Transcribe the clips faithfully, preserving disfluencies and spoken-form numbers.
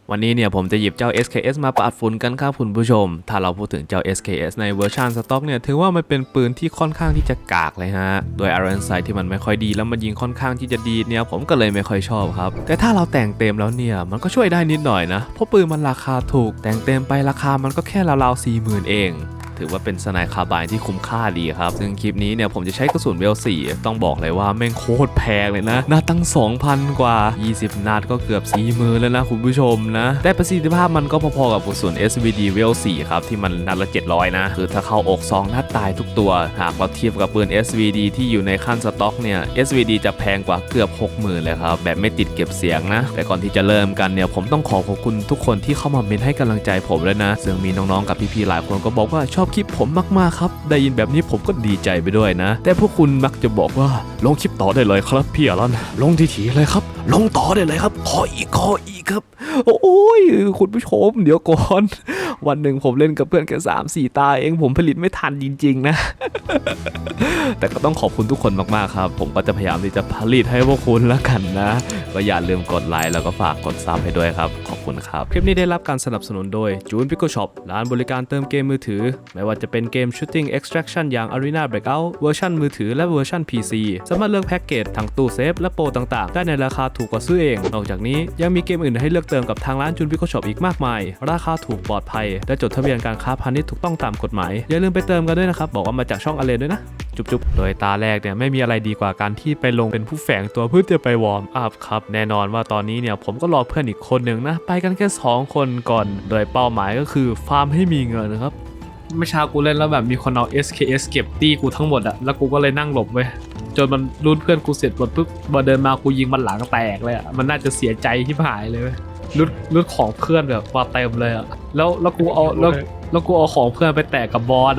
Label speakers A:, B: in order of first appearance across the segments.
A: วันนี้เนี่ยผมจะหยิบเจ้า เอส เค เอส มาปาดฝุ่นกันครับคุณผู้ชมถ้าเราพูดถึงเจ้า เอส เค เอส ในเวอร์ชันสต็อกเนี่ยถือว่ามันเป็นปืนที่ค่อนข้างที่จะกากเลยฮะโดย Iron Sight ที่มันไม่ค่อยดีแล้วมันยิงค่อนข้างที่จะดีเนี่ยผมก็เลยไม่ค่อยชอบครับแต่ถ้าเราแต่งเต็มแล้วเนี่ยมันก็ช่วยได้นิดหน่อยนะเพราะปืนมันราคาถูกแต่งเต็มไปราคามันก็แค่ราวๆ สี่หมื่น เองถือว่าเป็นสไนคาร์บายที่คุ้มค่าดีครับซึ่งคลิปนี้เนี่ยผมจะใช้กระสุนเวลสี่ต้องบอกเลยว่าแม่งโคตรแพงเลยนะนัดตั้ง สองพัน กว่ายี่สิบนัดก็เกือบ สี่หมื่น แล้วนะคุณผู้ชมนะแต่ประสิทธิภาพมันก็พอๆกับกระสุน เอส วี ดี เวลสี่ครับที่มันนัดละ เจ็ดร้อย นะคือถ้าเข้าอกสองนัดตายทุกตัวหากเราเทียบกับปืน เอส วี ดี ที่อยู่ในขั้นสต็อกเนี่ย เอส วี ดี จะแพงกว่าเกือบ หกหมื่น เลยครับแบบไม่ติดเก็บเสียงนะแต่ก่อนที่จะเริ่มกันเนี่ยผมต้องขอขอบคุณทุกคนที่เข้ามาเมนให้กำลังใจผมเลยนะซึ่งมีน้องๆกับพี่ๆหลายคนก็บอกว่าชอบคลิปผมมากๆครับได้ยินแบบนี้ผมก็ดีใจไปด้วยนะแต่พวกคุณมักจะบอกว่าลงคลิปต่อได้เลยครับพี่อลันลงทีๆเลยครับลงต่อได้เลยครับขออีกขออีกครับโอ้ยคุณผู้ชมเดี๋ยวก่อนวันหนึ่งผมเล่นกับเพื่อนแค่สามสี่ตาเองผมผลิตไม่ทันจริงๆนะ แต่ก็ต้องขอบคุณทุกคนมากๆครับผมก็จะพยายามที่จะผลิตให้พวกคุณแล้วกันนะก็อย่าลืมกดไลค์แล้วก็ฝากกดซับให้ด้วยครับขอบคุณครับคลิปนี้ได้รับการสนับสนุนโดย June Pickle Shop ร้านบริการเติมเกมมือถือไม่ว่าจะเป็นเกม Shooting Extraction อย่าง Arena Breakout เวอร์ชันมือถือและเวอร์ชัน พี ซี สามารถเลือกแพ็กเกจทั้งตู้เซฟและโปรต่างๆได้ในราคาถูกกว่าซื้อเองนอกจากนี้ยังมีเกมอื่นให้เลือกเติมกับทางร้าน June Pickle Shop อีกมากมายราคาถูกปลอดภัยและจดทะเบียนการค้าพาณิชย์ถูกต้องตามกฎหมายอย่าลืมไปเติมกันด้วยนะครับบอกว่ามาจากช่องอเลนด้วยนะจุ๊บๆโดยตาแรกเนี่ยไม่มีอะไรดีกว่าการที่ไปลงเป็นผู้แฝงตัวเพื่อจะไปวอร์มอัพครับแน่นอนว่าตอนนี้เนี่ยผมก็รอเพื่อนอีกคนหนึ่งนะไปกันแค่สองคนก่อนโดยเป้าหมายก็คือฟาร์มให้มีเงินครับเมื่อเช้ากูเล่นแล้วแบบมีคนเอา เอส เค เอส เก็บตี้กูทั้งหมดอะแล้วกูก็เลยนั่งหลบไว้จนมันรูดเพื่อนกูเสร็จหมดปุ๊บมาเดินมากูยิงมันหลังแตกเลยอะมันน่าจะเสียใจที่หายเลยเว้ยรูดรูดของเพื่อนแบบว่าเต็มเลยอะแล้วแล้วกูเอาแล้วแล้วกูเอาของเพื่อนไปแตกกับบอสอะ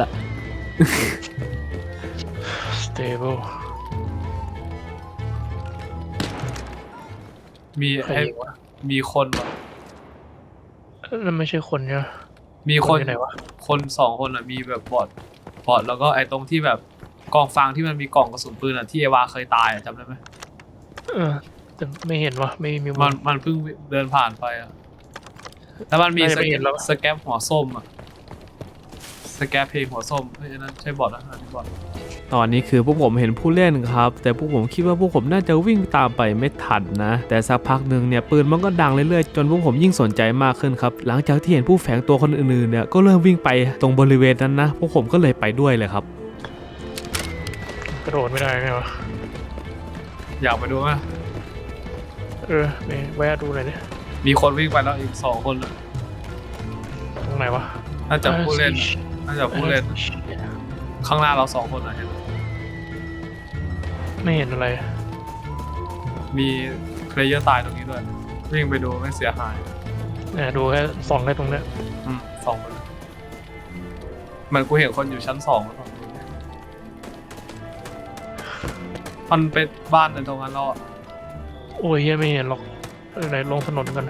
B: stable
A: มีไอ้มีคนวะ
B: นั่นไม่ใช่คนใช่ไหม
A: มีคน
B: อยู่ไหนวะ
A: คนสองคนอ่ะมีแบบบอดบอดแล้วก็ไอ้ตรงที่แบบกองฟางที่มันมีกล่องกระสุนปืนอ่ะที่เอวาเคยตายอ่ะจำได้ไหม
B: เออแต่ไม่เห็นวะไม่มี
A: มันมันเพิ่งเดินผ่านไปอ่ะแล้วมันมี
B: น่า
A: ส
B: จะไม่
A: แก
B: เห็
A: ป
B: นแล้ว
A: สแกปหัวส้มอ่ะสแกปเพลงหัวส้มเฮ้ยอันนั้นใช่บอดนะอันนี้บอดตอนนี้คือพวกผมเห็นผู้เล่นครับแต่พวกผมคิดว่าพวกผมน่าจะวิ่งตามไปไม่ทันนะแต่สักพักหนึ่งเนี่ยปืนมันก็ดังเรื่อยๆจนพวกผมยิ่งสนใจมากขึ้นครับหลังจากที่เห็นผู้แฝงตัวคนอื่นๆเนี่ยก็เริ่มวิ่งไปตรงบริเวณนั้นนะพวกผมก็เลยไปด้วยเลยครับ
B: กระโดดไม่ได้ไงวะ
A: อยากไปดูไหม
B: เออไปแวะดูหน่อยดิ
A: มีคนวิ่งไปแล้วอีกสองคนอ่ะ
B: ตรงไหนวะ
A: น่าจะผู้เล่นน่าจะผู้เล่นข้างหน้าเราสองคนอ่ะเห็น
B: ไม่เห็นอะไร
A: มีเพลเยอร์ตายตรงนี้ด้วยวิ่งไปดูไม่เสียหาย
B: เนี่ยดูแค่ส่องแค่ตรงเนี้ย
A: อืมสองคนมันกูเห็นคนอยู่ชั้นสองแล้วฝั่งนู้นมันเป็นบ้านในตรงนั้นแล้วอ่ะ
B: โอ้ยเฮียไม่เห็นหรอกเออไหนลงถนนกัน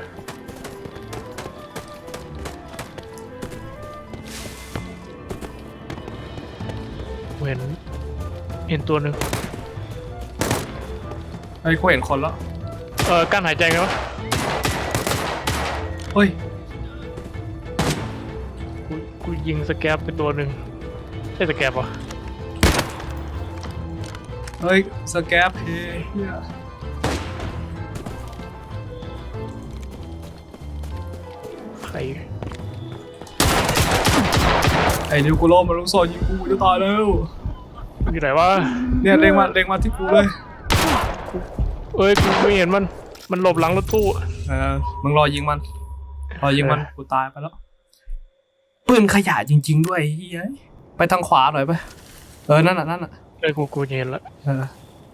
B: เห็นเห็นตัวหนึ่ง
A: ไอ้ยกูเห็นคนแล้ว
B: เออกั้นหายใจไงวะ
A: เฮ้ย
B: กูกูยิงสแกปไปตัวหนึ่งใช่สแกปวะ
A: เฮ้ยสแกปเพย์เหี้ย
B: ใคร
A: ไอ้นิวกูโรมันลูกศรยิงกูจะตายแล้ว
B: อยู่ไหนวะ
A: เนี่ยเล็งมาเล็งมาที่กูเลย
B: เอ้ยกูไม่เห็นมันมันหลบหลังรถตู้
A: เออมึงรอยิงมันรอยิงมันกูตายไปแล้วปืนขยะจริงๆด้วยเฮ้ยไปทางขวาหน่อยไปเออนั่นน่ะนั่นน่ะ
B: เอ้ยกูกูเห็นละ
A: เออ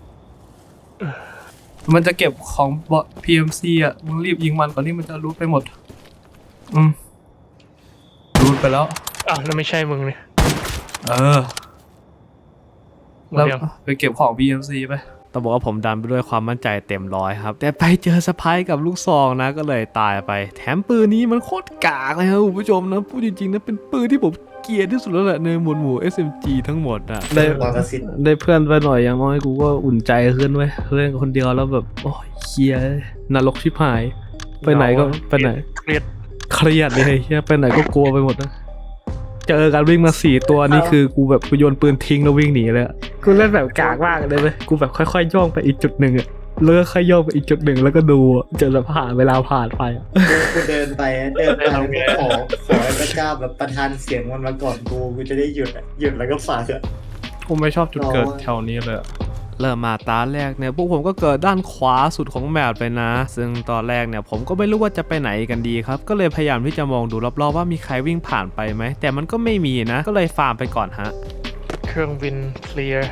A: มันจะเก็บของบอท พี เอ็ม ซี อ่ะ มึงรีบยิงมันก่อนที่มันจะรูดไปหมด อืมรูดไปแล้ว
B: อ่ะแล้วไม่ใช่มึงเนี่ย
A: เออ
B: หมด
A: แล้ว
B: ยัง
A: ไปเก็บของ พี เอ็ม ซี ไปต้องบอกว่าผมดันไปด้วยความมั่นใจเต็มร้อยครับ แต่ไปเจอสะพายกับลูกซองนะก็เลยตายไป แถมปืนนี้มันโคตรกากเลยครับคุณผู้ชมนะพูดจริงๆนะเป็นปืนที่ผมเกลียดที่สุดแล้วแหละในหมวดหมู่ เอส เอ็ม จี ทั้งหมดอะได้ได้เพื่อนไปหน่อยอย่างน้อยกูก็อุ่นใจขึ้นเว้ยเล่นคนเดียวแล้วแบบโอ้ยเคลียร์นรกชิบหายไปไหนก็ไปไหน
B: เครียด
A: เครียดเลยเฮียไปไหนก็กลัวไปหมดนะเจอกันวิ่งมาสี่ตัวนี่คือกูแบบกูโยนปืนทิ้งแล้ววิ่งหนีเลยอะกูเล่นแบบกากมากเลยเว้ยกูแบบค่อยๆย่องไปอีกจุดหนึ่งอะเลิกค่อยย่องไปอีกจุดหนึ่งแล้วก็ดูอะจนแบบผ่านเวลาผ่านไปอะ
C: กูเดินไปเดินไปก็ขอขอให้พระเจ้าแบบประทานเสียงมันมาก่อนกูกูจะได้หยุดอะหยุดแล้วก็ฝากอะ
A: กูไม่ชอบจุดเกิดแถวนี้เลยอะเริ่มมาตาแรกเนี่ยพวกผมก็เกิดด้านขวาสุดของแมปเลยนะ ซึ่งตอนแรกเนี่ยผมก็ไม่รู้ว่าจะไปไหนกันดีครับก็เลยพยายามที่จะมองดูรอบๆว่ามีใครวิ่งผ่านไปไหมแต่มันก็ไม่มีนะก็เลยฟาร์มไปก่อนฮะ
B: เครื่องบินเคลียร์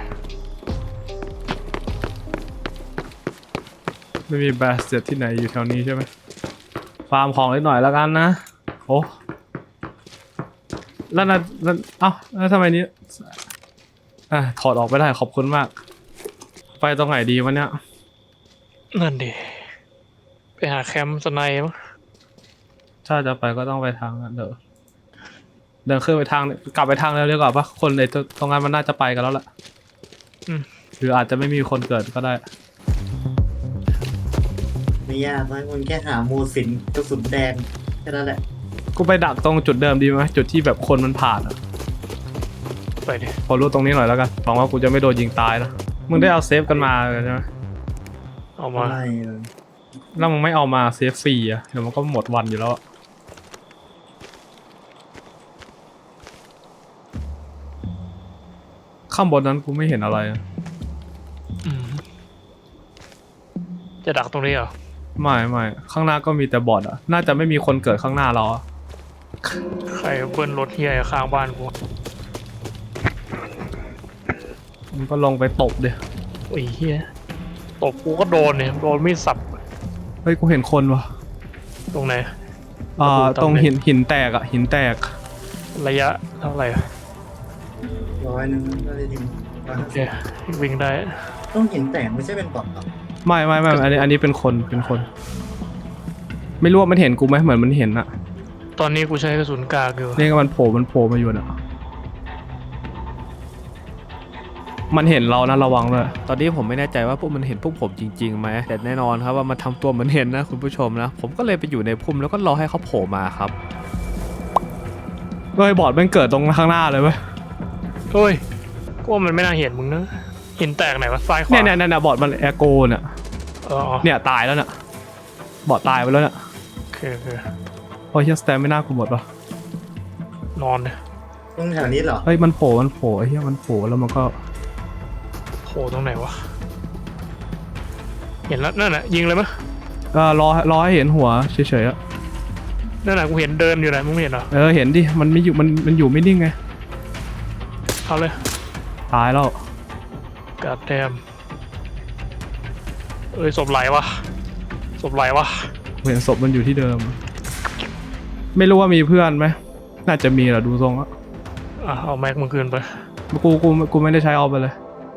A: ไม่มีบาสเจ็ตที่ไหนอยู่แถวนี้ใช่ไหมฟาร์มของเล็กหน่อยแล้วกันนะโอ้แล้วนะแล้วเอ้าแล้วทำไมนี้อ่ะถอดออกไม่ได้ขอบคุณมากไปตรงไหนดีวะเนี่ย
B: นั่นดิไปหาแคมป์สไนป์มั้ง
A: ถ้าจะไปก็ต้องไปทางนั้นเดี๋ยวเดินขึ้นไปทางกลับไปทางแล้วดีกว่าปะคนในตรงนั้นมันน่าจะไปกันแล้วแหละ
B: อืม
A: หรืออาจจะไม่มีคนเกิดก็ได้
C: ไม่ยากนะมึงแค่หาโมสินกระสุนแดงแค่นั้นแหละ
A: กูไปดักตรงจุดเดิมดีไหมจุดที่แบบคนมันผ่านอ่ะ
B: ไปดิ
A: พอรู้ตรงนี้หน่อยแล้วกันหวังว่ากูจะไม่โดนยิงตายนะมึงได้เอาเซฟกันมาใช่ไหม
B: เอามา
C: ไม่เลย
A: แล้วมึงไม่เอามาเซฟฟรีอ่ะเดี๋ยวมันก็หมดวันอยู่แล้วอะข้างบนนั้นกูไม่เห็นอะไรอะ
B: อืมจะดักตรงนี้เหรอ
A: ไม่ไม่ข้างหน้าก็มีแต่บอทอ่ะน่าจะไม่มีคนเกิดข้างหน้าเราอะ
B: ใครเบิ้ลรถเฮียข้างบ้านกู
A: มึงก็ลงไปตบเดี๋ย
B: โอ้ยเฮียตบกูก็โดนเนี่ยโดนมีดสับ
A: เฮ้ยกูเห็นคนวะ
B: ตรงไหน
A: อ่า
B: ระบุ
A: ตรง
B: ตำแหน่ง
A: หินหินแตกอ่ะหินแตก
B: ระยะเท่าไหร่อะ
C: ร้อยหนึงก็ได้ที
B: โอเควิ่งได้
C: ต้องเห็นแต่ไม่ใช่เป็นบอทหรอก
A: ไม่ไม่ไม่อันนี้อันนี้เป็นคนเป็นคน ไม่รู้ว่ามันเห็นกูไหมเหมือนมันเห็นอะ
B: ตอนนี้กูใช้กระสุนกากอยู่
A: นี่ก็มันโผล่มันโผล่มาอยู่น่ะมันเห็นเรานะระวังเลยตอนนี้ผมไม่แน่ใจว่าพวกมันเห็นพวกผมจริงๆไหมแต่แน่นอนครับว่ามันทำตัวเหมือนเห็นนะคุณผู้ชมนะผมก็เลยไปอยู่ในพุ่มแล้วก็รอให้เขาโผล่มาครับเฮ้ยบอดมันเกิดตรงข้างหน้าเลยเว้ย
B: เฮ้ยกูว่ามันไม่น่าเห็นมึงนะหินแตกไหนวะซ้ายขวา
A: เนี่ยเนี่ยเนี่ยบอดมันแอโกเนี่ย
B: เอออ๋อ
A: เนี่ยตายแล้วเนี่ยบอดตายไปแล้วเนี่ย
B: โอเคโอเค
A: โอ้ยเฮียสแตมไม่น่ากูหมดปะ
B: นอนเลย
C: ตรงแถวนี้เหรอ
A: เฮ้ยมันโผล่มันโผล่ไอ้เฮียมันโผล่แล้วมันก็
B: โผล่ตรงไหนวะเห็นแล้วนั่นน่ะยิงเลยมั้ย
A: เออรอรอให้เห็นหัวเฉยๆอะ
B: นั่นน่ะกูเห็นเดินอยู่ไหนมึงไม่เห็นเหรอ
A: เออเห็นดิมันไม่อยู่มันมันอยู่ไม่นิ่งไง
B: เอาเลย
A: ตายแล้ว
B: กาดแดมเอ้ยศพไหลวะศพไหลวะ
A: เห็นศพมันอยู่ที่เดิม ไม่รู้ว่ามีเพื่อนไหมน่าจะมีแหละดูทรงอะ
B: อ่ะเอาแม็กมึงคืนไป
A: กูกูกูไม่ได้ใช้เอาไปเลย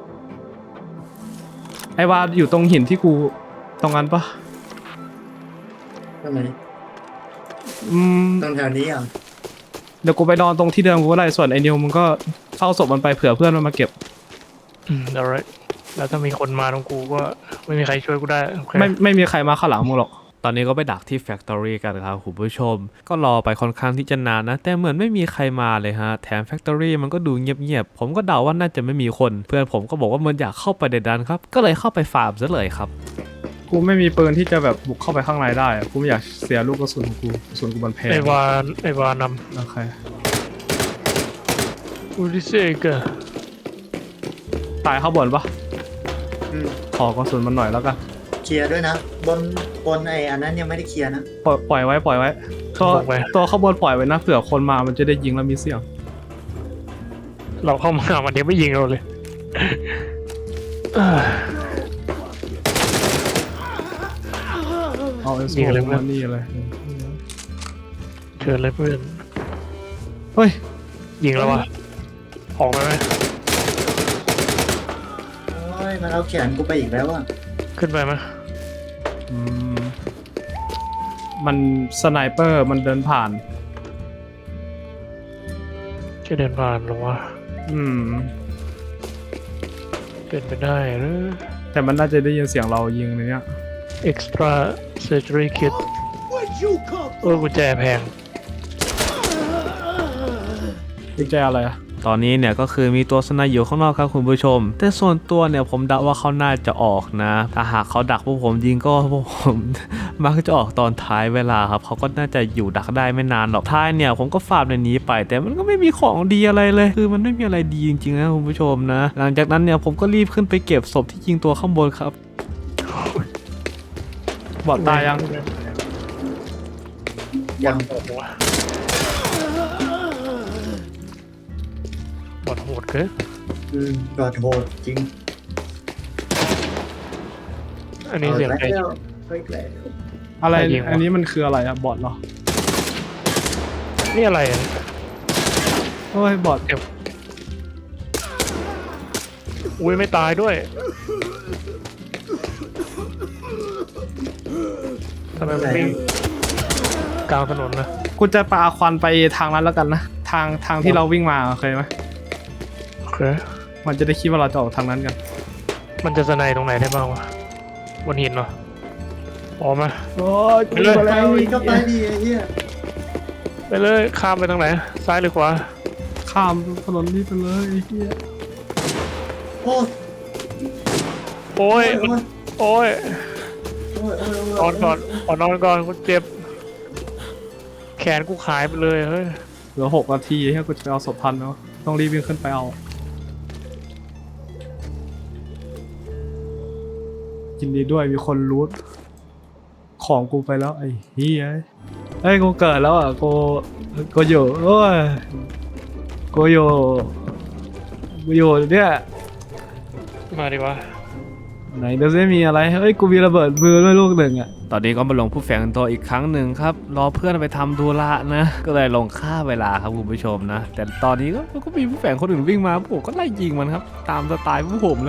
A: ไอ้ว่าอยู่ตรงหินที่กูตรงนั้นปะ
C: ทำไม
A: อืม
C: ตรงแถวนี้อ่ะ
A: เดี๋ยวกูไปนอนตรงที่เดิมกูก็ได้ส่วนไอ้นิวมึงก็เฝ้าศพมันไปเผื่อเพื่อนมันมาเก็บ
B: อืม alright แล้วถ้ามีคนมาตรงกูก็ไม่มีใครช่วยกูได้โอเค
A: ไม่ไม่มีใครมาข้างหลังมึงหรอกตอนนี้ก็ไปดักที่แฟคทอรี่กันครับคุณผู้ชมก็รอไปค่อนข้างที่จะนานนะแต่เหมือนไม่มีใครมาเลยฮะแถมแฟคทอรี่มันก็ดูเงียบๆผมก็เดาว่าน่าจะไม่มีคนเพื่อนผมก็บอกว่ามันอยากเข้าไปในดันครับก็เลยเข้าไปฟาร์มซะเลยครับกูไม่มีปืนที่จะแบบบุกเข้าไปข้างในได้กูไม่อยากเสียลูกกระสุนของกูกระสุนกูมันแพง
B: ไอวานไอวานน
A: โอเค
B: ำอูดิเซกะ
A: ตายข้างบนปะ
C: อืม
A: ขอกระสุนมันหน่อยแล้วกัน
C: เคลียร์ด้วยนะบนบนไอ้อันนั้นยังไม่ได้เคลียร์นะ
A: ปล่อยปล่อยไว้ปล่อยไว้ตัวตัวข้างบนปล่อยไว้นะเผื่อคนมามันจะได้ยิงแล้วมีเสียง
B: เราเข้ามาวันนี้ไม่ยิงเราเลยเอ้ย
A: เอาไอ้โซ่
B: ยิงอะไรเพื่อน
A: มานี่เลย
B: เชิญเลยเพื่อน
A: เฮ้ย
B: ยิงแล้ววะออกไปไหม
C: โอ้ยมันเอาแขนกูไปอีกแล้วอ่ะ
B: ขึ้นไปไหม
A: อืมมันสไนเปอร์มันเดินผ่าน
B: แค่เดินผ่านหรอวะ
A: อืม
B: เป็นไปได้หรือ
A: แต่มันน่าจะได้ยินเสียงเรายิงในเนี้ย
B: extra surgery kit เออกุญแจแพง
D: กุญแจอะไรอะ
A: ตอนนี้เนี่ยก็คือมีตัวสไนอยู่ข้างนอกครับคุณผู้ชม แต่ส่วนตัวเนี่ยผมเดาว่าเขาน่าจะออกนะ ถ้าหากเขาดักพวกผมยิงก็พวกผม มักจะออกตอนท้ายเวลาครับเขาก็น่าจะอยู่ดักได้ไม่นานหรอกท้ายเนี่ยผมก็ฟาร์มในนี้ไป แต่มันก็ไม่มีของดีอะไรเลย คือมันไม่มีอะไรดีจริงๆนะคุณผู้ชมนะ หลังจากนั้นเนี่ยผมก็รีบขึ้นไปเก็บศพที่ยิงตัวข้างบนครับ
D: บอดตายยัง
C: ยัง
B: โหดวะบอดโหดเกิน
C: อืมกอดโหดจริง
B: อันนี้เสียง
C: อา
B: ใคร
C: แล้วเฮ้ยแล้ว
D: อะไร
B: ใครยิงวะ
D: อันนี้มันคืออะไรอะบอดเหรอ
B: นี่อะไรอะ
D: โอ้ยบอด
B: อุ้ยไม่ตายด้วยทำไมมันวิ่งกลางถนนนะ
D: กูจะปาควันไปทางนั้นแล้วกันนะทางทางที่เราวิ่งมาเคยไหม
B: โอเค
D: มันจะได้คิดว่าเราจะออกทางนั้นกัน
B: มันจะสไนตรงไหนได้บ้างวะบนหินเหรอออกมา
D: โอ้ย
B: ไปเลย
C: ไปก็ไปดีไอ้เหี้ย
B: ไปเลยข้ามไปทางไหน ซ้ายหรือขวา
D: ข้ามถนนนี้ไปเลยไอ้เหี้ย
C: โอ้ย
B: โอ้ย
C: โอ้ย
B: โอ้ย
C: โอ้ยโอ้ย
B: นอนก่อนขอนอนก่อนกูเจ็บ แขนกูขายไปเลยเฮ้ย
D: เหลือหกนาทีให้กูจะไปเอาศพทันเนาะต้องรีบวิ่งขึ้นไปเอายินดีด้วยมีคนรูทของกูไปแล้วไอ้เหี้ยเอ้ยกูเกิดแล้วอ่ะกูกูอยู่โอ้ยกูอยู่กูอยู่เนี่ย
B: มาดีกว่า
D: ไหนเดี๋ยวจะมีอะไรเฮ้ยกูมีระเบิดมือด้วยลูกหนึ่งอ่ะ
A: ตอนนี้ก็มาลงผู้แฝงตัวอีกครั้งหนึ่งครับรอเพื่อนไปทำธุระนะ ก็เลยลงฆ่าเวลาครับคุณผู้ชมนะ แต่ตอนนี้ก็ก็มีผู้แฝงคนอื่นวิ่งมาผมก็ไล่ยิงมันครับ ตามสไตล์พวกผมเลย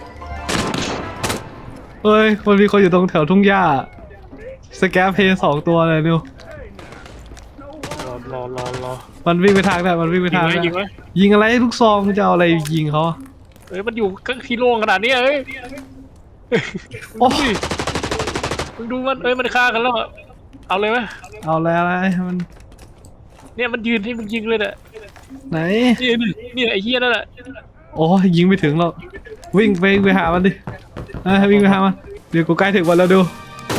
D: เฮ้ยคนมีคนอยู่ตรงแถวทุ่งหญ้าสแกปเพย์สองตัวเลยนิว
B: รอรอรอรอ
D: มันวิ่งไปทางไหนมันวิ่งไป
B: ยิง
D: ทาง
B: ไหม
D: ไหน
B: ยิงไหม
D: ยิงอะไรลูกซองมึงจะเอาอะไรยิงเขา
B: เอ้ยมันอยู่ก็ที่โล่งขนาดนี้เอ้ย
D: โอ้
B: มึงดูมันเอ้ยมันฆ่ากันแล้วอะเอาเลยไหม
D: เอาอะไรอะไรมัน
B: เนี่ยมันยืนให้มึงยิงเลยเนี่ย
D: ไหน
B: นี่นี่นี่ไอ้เหี้ยนั่นแหละ
D: โอ้ยยิงไม่ถึงหรอกวิ่งไปไปหามันดิเอ้ยวิ่งไปหามันเดี๋ยวกูใกล้ถึงวันแล้วดู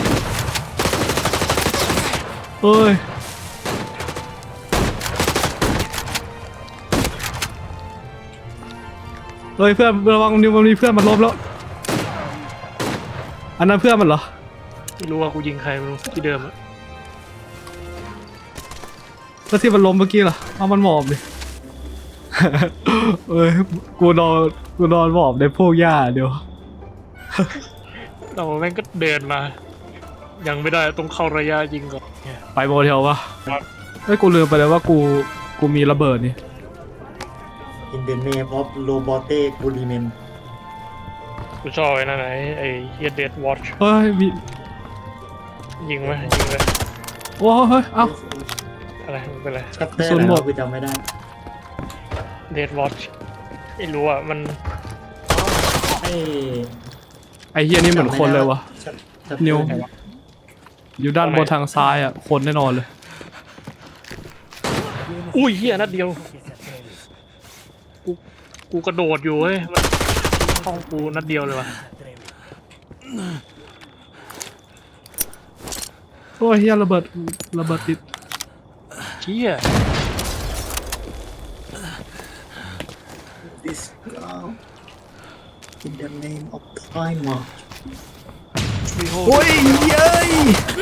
D: เฮ้ยเฮ้ยเพื่อนระวังนิวมันมีเพื่อนมันล้มแล้วอันนั้นเพื่อนมันเหรอ
B: ไม่รู้ว่ากูยิงใครไม่รู้ที่เดิมอะ
D: แล้วที่มันล้มเมื่อกี้ล่ะเอามันหมอบดิ เอ้ยกูนอนกูนอนหมอบในพวกหญ้าเดี๋ยว
B: เราแม่งก็เดินมา ยังไม่ได้ต้องเข้าระยะยิงก่อนเนี่ย
D: ไปโมเทลปะ
B: ครับ
D: เฮ้ยกูลืมไปเลยว่ากูกูมีระเบิดนี่
C: อินเดเนมออฟโรบอเต้กูรีเมน
B: กูชอบไอ้นั่นไอ้ไอ้เฮียเดดวอช
D: เฮ้ยมี
B: ยิงไหมยิงเลย
D: โอ้เฮ้ยเอ้า
B: อะไรไม่เป็นไร
C: ชัปเตอร์
D: ศูนย์
C: ไหน
D: หมด
C: วะกูจำไม่ได้
B: เดดวอชไม่รู้อ่ะมัน
C: ไอ้
D: ไอเฮียนี่เหมือนคนเลยวะ
C: ชัปชัปเตอร์
D: นิว
C: ไหนวะ
D: อยู่ด้านบนทางซ้ายอ่ะคนแน่นอนเลย
B: อุ้ยเฮียนัดเดียวกูกูกระโดดอยู่เฮ้ยมันเข้ากูนัดเดียวเลยว่ะ
D: โอ้ยเฮียระเบิดระเบิดติด
B: เฮีย
C: ดิสกาวอินเดเนมออฟไทม์
D: โอ้ยเย้ย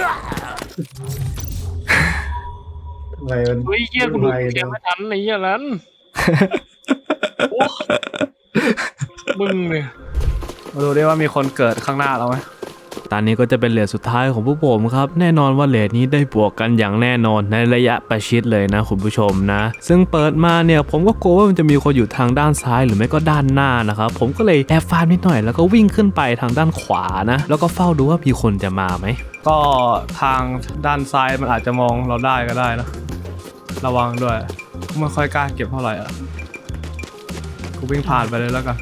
C: ทำไมมัน
B: เฮ้ยเฮียกูดูเกมไม่ทันไอ้เฮียนั้นโอ้มึงเนี่ย
D: มาดูได้ว่ามีคนเกิดข้างหน้าเราไหม
A: ตอนนี้ก็จะเป็นเลทสุดท้ายของพวกผมครับแน่นอนว่าเลทนี้ได้บวกกันอย่างแน่นอนในระยะประชิดเลยนะคุณผู้ชมนะซึ่งเปิดมาเนี่ยผมก็กลัวว่ามันจะมีคนอยู่ทางด้านซ้ายหรือไม่ก็ด้านหน้านะครับผมก็เลยแอบฟาร์มนิดหน่อยแล้วก็วิ่งขึ้นไปทางด้านขวานะแล้วก็เฝ้าดูว่ามีคนจะมาไหม
D: ก็ทางด้านซ้ายมันอาจจะมองเราได้ก็ได้นะระวังด้วยไม่ค่อยกล้าเก็บเท่าไหร่อ่ะกูวิ่งผ่านไปเลยแล้วกัน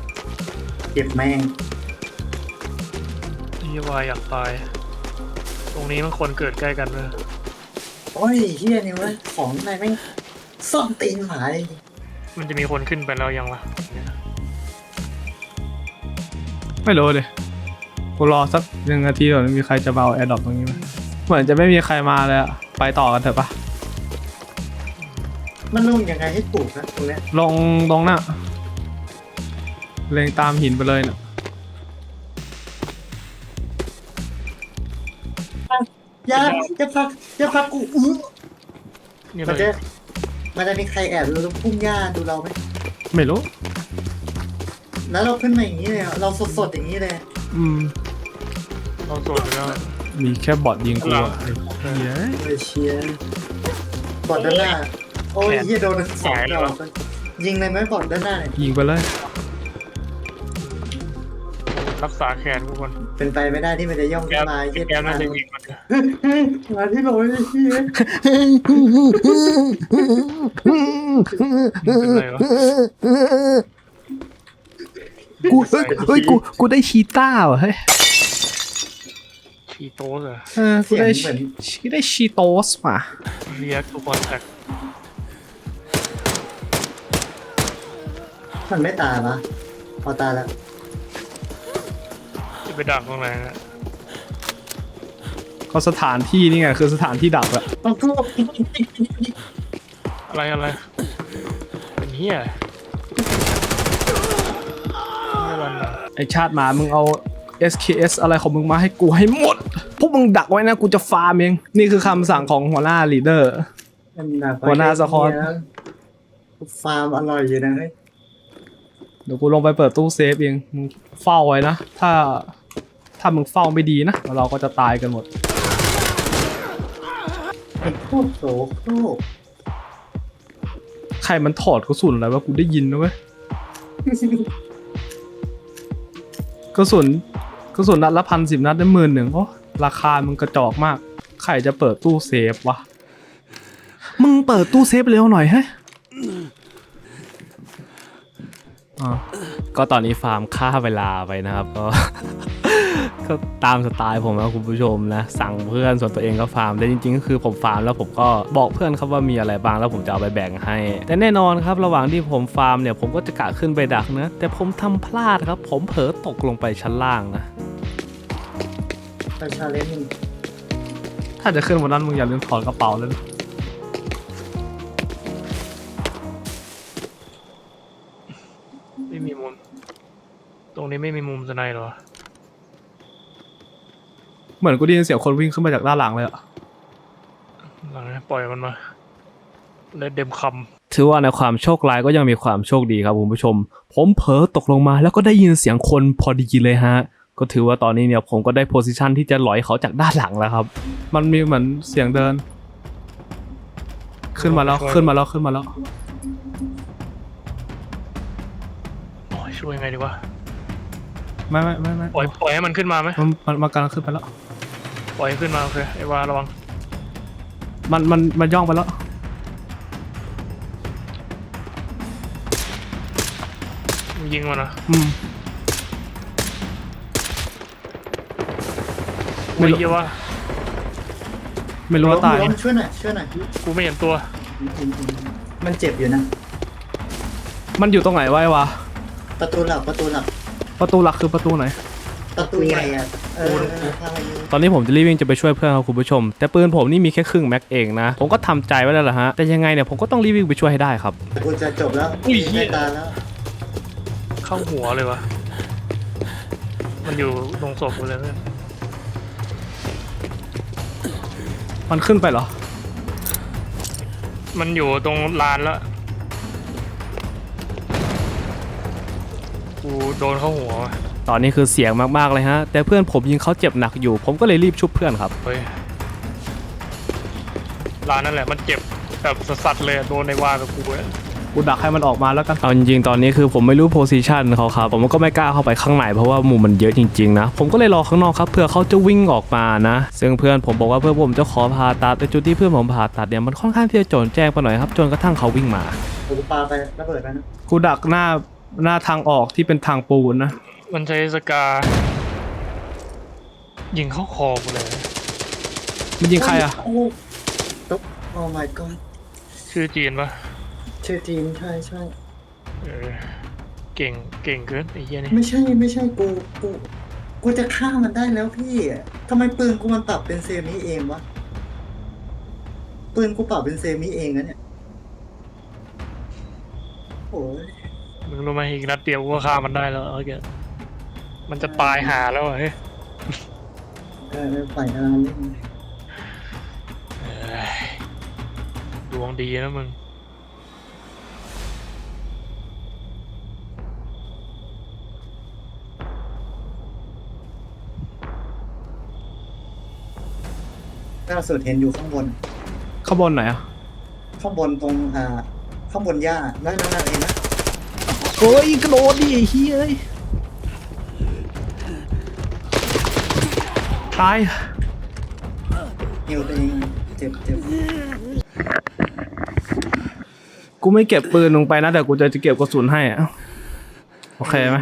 C: เก็บแม่ง
B: เฮียวายอยากตายโอ้รงนี้มันควรเกิดใกล้กันเลย
C: โอ้ยเฮียนี่วะของนายแม่งซ่อมตีนหมาเลย
B: มันจะมีคนขึ้นไปแล้วยังวะ
D: ไม่รู้ดิกูรอสักหนึ่งนาทีก่อนมีใครจะมาเอาแอร์ดรอปตรงนี้ไหมเหมือนจะไม่มีใครมาเลยอะไปต่อกันเถอะปะ
C: มันลงยังไงให้ถูกนะตรงเนี้ย
D: ลงตรงน่ะเล็งตามหินไปเลยน่ะ
C: อย่าอย่าพักอย่าพักกูอื้อ
B: นี่
C: มัน
B: เล
C: จะ
B: ย
C: มันจะมีใครแอบดูพุ่งหญ้าดูเราไหม
D: ไม่รู้
C: แล้วเราขึ้นมาอย่างนี้เลยอะเราสดๆอย่างนี้เลย
D: อืม
B: เราโสดไปแล้ว
D: มีแค่บอทยิงกูอะไอ้เหี้ย
C: เอเชียบอดด้านหน้าโอ้ยเฮียโดนสองดอกยิงเลยไหมบอดด้านหน้าเนี่ย
D: ยิงไปเลย
B: รักษาแขนกูก่อน
C: เป็นไปไม่ได้ที่มันจะย่อง
B: แก
C: ขึ้นมาเฮีย
B: แกน่าจะยิงมัน
C: มาที่เราไม่เฮีย
B: เป็นไรวะ
D: กูเฮ้ยเฮ้ยกูกูได้ชีต้าว่ะเฮ้ย
B: ชีโต้เหรอ
D: เออกูได้กูได้ชีโตสว่ะ
B: เรียกทุกคนแท็ก
C: มันไม่ตายปะพอตายแล้ว
B: จะไปดักตรงไหนนะ
D: ก็สถานที่นี่ไงคือสถานที่ดักอะ
C: ต้องทุบ
B: อะไรอะไรเป็นเฮียไม่รันนะ
D: ไอชาติหมามึงเอา เอส เค เอส อะไรของมึงมาให้กูให้หมด พวกมึงดักไว้นะกูจะฟาร์มเอง นี่คือคำสั่งของหัวหน้าลีดเดอร์ หัวหน้าสะคอน
C: ฟาร์มอร่อยอยู่นะเฮ้ย
D: เดี๋ยวกูลงไปเปิดตู้เซฟเองมึงเฝ้าไว้นะ ถ้าถ้ามึงเฝ้าไม่ดีนะเราก็จะตายกันหมด
C: ไอ้โคตรโสโครก
D: ใครมันถอดกระสุนอะไรวะกูได้ยินนะเว้ย กระสุนกระสุนนัดละพันสิบนัดได้หมื่นหนึ่งโอ้ราคามันกระจอกมาก ใครจะเปิดตู้เซฟวะ มึงเปิดตู้เซฟเร็วหน่อยเฮ้ยอ่า
A: ก็ตอนนี้ฟาร์มฆ่าเวลาไปนะครับก็ ก็ตามสไตล์ผมนะคุณผู้ชมนะสั่งเพื่อนส่วนตัวเองก็ฟาร์มแต่จริงๆก็คือผมฟาร์มแล้วผมก็บอกเพื่อนครับว่ามีอะไรบ้างแล้วผมจะเอาไปแบ่งให้ แต่แน่นอนครับระหว่างที่ผมฟาร์มเนี่ยผมก็จะกะขึ้นไปดักนะแต่ผมทำพลาดครับ ผมเผลอตกลงไปชั้นล่างนะ
C: ไปชาเลนจ์
D: ถ้าจะขึ้นวันนั้นมึงอย่าลืมถอดกระเป๋าเลยนะ
B: ไม่มีมุมตรงนี้ไม่มีมุมสไนด์หรอ
D: เหมือนกูได้ยินเสียงคนวิ่งขึ้นมาจากด้านหลังเลยอะ
B: หลังนี้ปล่อยมันมาเลยเดมค
A: ถือว่าในความโชคร้ายก็ยังมีความโชคดีครับคุณผู้ชม ผมเผลอตกลงมาแล้วก็ได้ยินเสียงคนพอดีเลยฮะก็ถือว่าตอนนี้เนี่ยผมก็ได้โพสิชันที่จะหลอยเขาจากด้านหลังแล้วครับ
D: มันมีเหมือนเสียงเดิน ขึ้นมาแล้วขึ้นมาแล้วขึ้นมาแล้ว
B: ำโอ้ยช่วยยังไงดีวะ
D: ไม่ไม่ไม่ไม่
B: ปล่อยปล่อยให้มันขึ้นมาไหม
D: มันมันมันกำลังขึ้นไปแล้ว
B: ปล่อยให้ขึ้นมาโอเคไอ้วาระวัง
D: มันมันมันย่องไปแล้ว
B: มึงยิงมันนะ
D: อืม ไม่
B: ไม่
D: รู้
B: เหี้ยว่า
D: ไม่รู้ว่าตาย
C: ล้มช่วยหน่อยช่วยหน่อย
B: กูไม่เห็นตัว
C: มันเจ็บอยู่นะ
D: มันอยู่ตรงไหนวะไอ้วะ
C: ประตูหลักประตูหลัก
D: ประตูหลักคือประตูไหน
C: ประตูใหญ่อะเออทางอะไรนี้
A: ตอนนี้ผมจะรีบวิ่งจะไปช่วยเพื่อนครับคุณผู้ชม แต่ปืนผมนี่มีแค่ครึ่งแม็กเองนะผมก็ทำใจไว้แล้วล่ะฮะแต่ยังไงเนี่ยผมก็ต้องรีบวิ่งไปช่วยให้ได้ครับ
C: กูจะจบแล้ว
B: อุ้ยเหี้
C: ไม่
B: ย
C: ตายแล้ว
B: เข้าหัวเลยวะมันอยู่ตรงศพกูเลยเพื่อน
D: มันขึ้นไปเหรอ
B: มันอยู่ตรงลานแล้วกูโดนเข้าหัวว่ะ
A: ตอนนี้คือเสียงมากๆเลยฮะแต่เพื่อนผมยิงเขาเจ็บหนักอยู่ ผมก็เลยรีบชุบเพื่อนครับ
B: เฮ้ยลานนั่นแหละมันเจ็บแบบสัสๆเลยโดนในวากับกูเลย
D: กูดักให้มันออกมาแล้วกัน
A: เอาจริงๆตอนนี้คือผมไม่รู้โพซิชันเขาครับผมก็ไม่กล้าเข้าไปข้างในเพราะว่ามุมมันเยอะจริงๆนะผมก็เลยรอข้างนอกครับเพื่อเขาจะวิ่งออกมานะซึ่งเพื่อนผมบอกว่าเพื่อนผมจะขอผ่าตัดแต่จุดที่เพื่อนผมผ่าตัดเนี่ยมันค่อนข้างที่จะโจรแจ้งไปหน่อยครับจนกระทั่งเขาวิ่งมา
C: กูปาไประเบิดไปนะ
D: กูดักหน้าหน้าทางออกที่เป็นทางปูนนะ
B: มันใช้สกายิงเข้าคอกูเลย
D: มันยิงใครอ่ะ
C: โอ้ตบโอ้ my god
B: ชื่อจีนปะ
C: ชื่อจีนใช่ใช่
B: เออเก่งเก่งเกินไอ้เหี้ยนี่
C: ไม่ใช่ไม่ใช่กูกูกูจะฆ่ามันได้แล้วพี่ทำไมปืนกูมันปรับเป็นเซมิเองวะปืนกูปรับเป็นเซมิเองนะเนี่ยโอ้ย
B: มึงรู้ไหมอีกนัดเดียวกูก็ฆ่ามันได้แล้วโอเคมันจะตายหาแล้วอะเฮ้ย
C: เออฝ่ายงานนี่
B: เอ้ยดวงดีนะมึง
C: ล่าสุดเห็นอยู่ข้างบน
D: ข้างบนไหนอ่ะ
C: ข้างบนตรงอ่าข้างบนหญ้านั่นนั่นนั่นเองนะ
D: โอ้ยกระโดดดิไอ้เฮ้ยตาย
C: หิวตัวเองเจ็บเจ็บ
D: กูไม่เก็บปืนลงไปนะแต่กูจะจะเก็บกระสุนให้อะโอเคไหม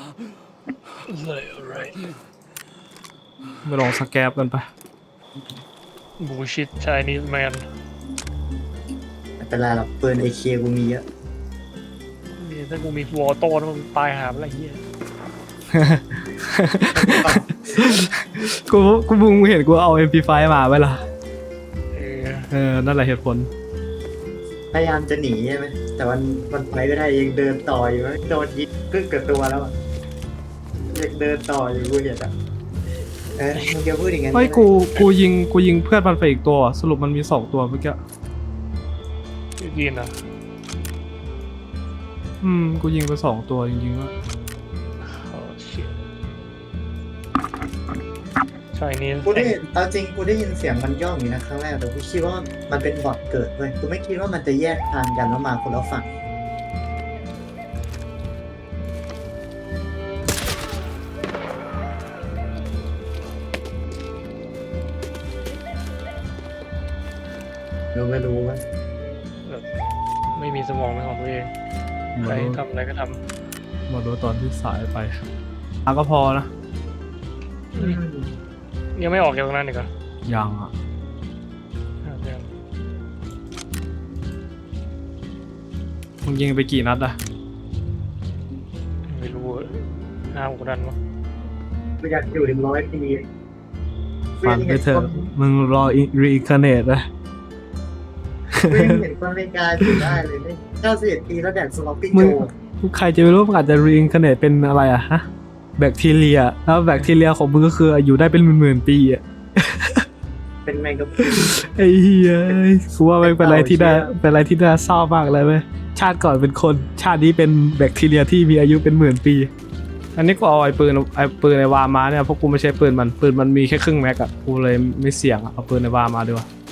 D: ไม่ลองสแกปกันไป
B: บูชิตชายนิสแมน
C: ไม่เป็นไรหรอกปืนไอเคกูมีเยอะ
B: นี่ถ้ากูมีวอลโต้นะมึงตายหาอะไรเหี้ย
D: กูกูมึงเห็นกูเอา เอ็ม พี ไฟว์ มาไหมล่ะ
B: เออ
D: เออนั่นแหละเหตุผล
C: พยายามจะหนีใช่ไหมแต่มันมันไปไม่ได้ยังเดินต่ออยู่โดนยิงกึกกับตัวแล้วอะยังเดินต่ออยู่กูเห็นอ่ะเออมึงจะพูดอย่างงั้น
D: เฮ้ยกูกูยิงกูยิงเพื่อนมันไปอีกตัว สรุปมันมีสองตัวเมื่อกี้
B: ชื่อจีนเหรอ
D: อืมกูยิงไปสองตัวจริงๆว่า
B: โอ้ชิตชายนิส
C: กูได้เอาจริงกูได้ยินเสียงมันย่องอยู่นะครั้งแรกแต่กูคิดว่ามันเป็นบอทเกิดเว้ยกูไม่คิดว่ามันจะแยกทางกันแล้วมาคนละฝั่งรู้ไม่รู้วะ
B: แบบไม่มีสมองเป็นของตัวเองใครทำอะไรก็ท
D: มาดูตอนที่สายไปอ่ะก็พอนะ
B: ำยังไม่ออกจากตรงนั้นอีกเหรอ
D: ยังอ่ะ
B: อ่ะเดี๋ยว
D: มึงยิงไปกี่นัดอะ
B: ไม่รู้อะห้าหกดันวะ
C: กูอยากอยู่ถึงร้อยปี
D: ฟันไปเถอะมึงรอรีอินคาเนตนะ
C: กูยังเห็นคนอเมริกาอยู่ได้เลยเนี่ยเก้าสิบเอ็ดปีแล้วแดกสล็อปปิ้ง
D: มึ
C: โจ
D: ง ใครจะไม่รู้มันอาจจะรีอินคาเนตเป็นอะไรอะฮะแบคทีเรียแล้วแบคทีเรียของมึงก็คืออยู่ได้เป็นหมื่นๆปีอะ
C: เป็นแมงกะพรุน
D: ไอ้เหี้ยกูว่ามันเป็นอะไรที่น่าเป็นอะไรที่น่าเศร้ามากเลยเว้ยชาติก่อนเป็นคนชาตินี้เป็นแบคทีเรียที่มีอายุเป็นหมื่นปี อันนี้กูเอาไอ้ปืนไอ้ปืนไอ้วามาเนี่ยเพราะกูไม่ใช่ปืนมันปืนมันมีแค่ครึ่งแม็กอะกูเลยไม่เสี่ยงอะเอาปืนไอ้วามาดีกว่า